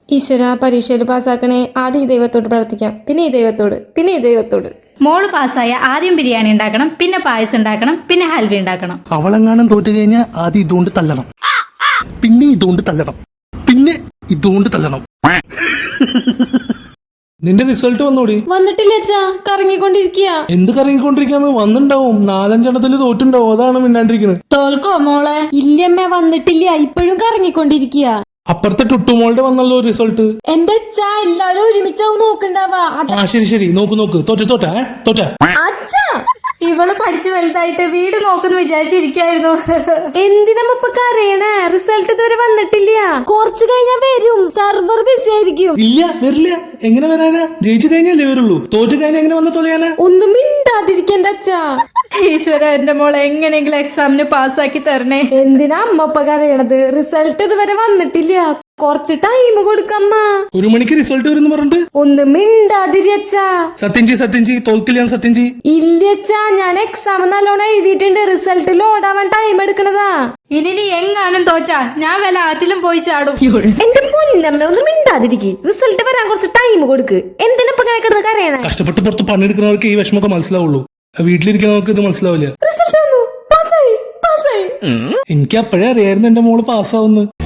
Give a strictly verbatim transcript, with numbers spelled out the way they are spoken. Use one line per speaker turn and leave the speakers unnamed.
ഈശ്വര പരീക്ഷയിൽ പാസ്സാക്കണേ. ആദ്യം ഈ ദൈവത്തോട് പ്രാർത്ഥിക്കാം, പിന്നെ ഈ ദൈവത്തോട്, പിന്നെ ഈ ദൈവത്തോട്.
മോള് പാസ്സായ ആദ്യം ബിരിയാണി ഉണ്ടാക്കണം, പിന്നെ പായസം ഉണ്ടാക്കണം, പിന്നെ ഹൽവ ഉണ്ടാക്കണം.
അവളെങ്ങാനും തോറ്റു കഴിഞ്ഞാൽ ആദ്യം ഇതുകൊണ്ട് തല്ലണം, പിന്നെ ഇതുകൊണ്ട് തല്ലണം, പിന്നെ ഇതുകൊണ്ട് തല്ലണം.
നിന്റെ റിസൾട്ട് വന്നോടി?
വന്നിട്ടില്ല അച്ഛാ, കറങ്ങിക്കൊണ്ടിരിക്കുക.
എന്ത് കറങ്ങിക്കൊണ്ടിരിക്കാന്ന്? വന്നിണ്ടാവും, നാലഞ്ചെണ്ണത്തില് തോറ്റുണ്ടാവും, അതാണ് മിണ്ടാണ്ടിരിക്കുന്നത്.
തോൽക്കോ മോളെ?
ഇല്ലമ്മ വന്നിട്ടില്ല, ഇപ്പോഴും കറങ്ങിക്കൊണ്ടിരിക്കുക.
അപ്പുറത്തെ ടുട്ടുമോളുടെ വന്നല്ലോ റിസൾട്ട്.
എന്റെ അച്ഛാ എല്ലാരും ഒരുമിച്ചാവും നോക്കണ്ടാവാ.
ആ ശരി ശരി, നോക്ക് നോക്ക്. തോറ്റ തോറ്റ തോറ്റ
അച്ഛാ
ഇവള് പഠിച്ചു വലുതായിട്ട് വീട് നോക്കുന്നു വിചാരിച്ചിരിക്കായിരുന്നു.
എന്തിനമ്മ ഇപ്പൊ കരയണേ? റിസൾട്ട് ഇതുവരെ വന്നിട്ടില്ല, കുറച്ച് കഴിഞ്ഞാൽ വരും. സർവർ ബിസി ആയിരിക്കും.
ഇല്ല, വരില്ല. എങ്ങനെ വരാനാ? ജയിച്ചു കഴിഞ്ഞാലേ വരുള്ളൂ. തോറ്റു കഴിഞ്ഞാൽ എങ്ങനെ വന്ന് തൊലയാനാ?
ഒന്നും മിണ്ടാതിരിക്കണ്ട അച്ഛാ.
ഈശ്വര, എന്റെ മോളെ എങ്ങനെയെങ്കിലും എക്സാമിന് പാസ്സാക്കി തരണേ.
എന്തിനാ അമ്മ ഇപ്പൊ കരയണത്? റിസൾട്ട് ഇതുവരെ വന്നിട്ടില്ല, കുറച്ച് ടൈം കൊടുക്കമ്മ.
ഒരു മണിക്ക് റിസൾട്ട് വരുന്നു പറഞ്ഞിട്ട്
ഒന്ന് മിണ്ടാതിരി അച്ഛാ.
സത്യം ചെയ്, സത്യം ചെയ്. തോൽക്കില്ല, സത്യം ചെയ്.
ഇല്ല അച്ഛാ, ഞാൻ എക്സാം നല്ലോണം എഴുതിയിട്ടുണ്ട്. റിസൾട്ട് ലോഡാവാൻ ടൈം എടുക്കണതാ.
ഇനി നീ എങ്ങാനും തോറ്റാ ഞാൻ വല്ല ആറ്റിലും പോയി ചാടും.
എന്റെ പൊന്നമ്മ ഒന്ന് മിണ്ടാതിരിക്കും. റിസൾട്ട് വരാൻ കുറച്ച് ടൈം കൊടുക്ക്. എന്തിനിപ്പൊ ഇങ്ങനെ കിടന്ന് കരയണേ?
കഷ്ടപ്പെട്ട് പുറത്ത് പണിയെടുക്കുന്നവർക്ക് ഈ വിഷമമൊക്കെ മനസ്സിലാവുള്ളൂ, വീട്ടിലിരിക്കുന്നവർക്ക് ഇത് മനസ്സിലാവില്ല.
റിസൾട്ട് വന്നു, പാസ്സായി പാസ്സായി.
എനിക്ക് അപ്പോഴേ അറിയായിരുന്നു എന്റെ മോള് പാസ്സാവുന്നു.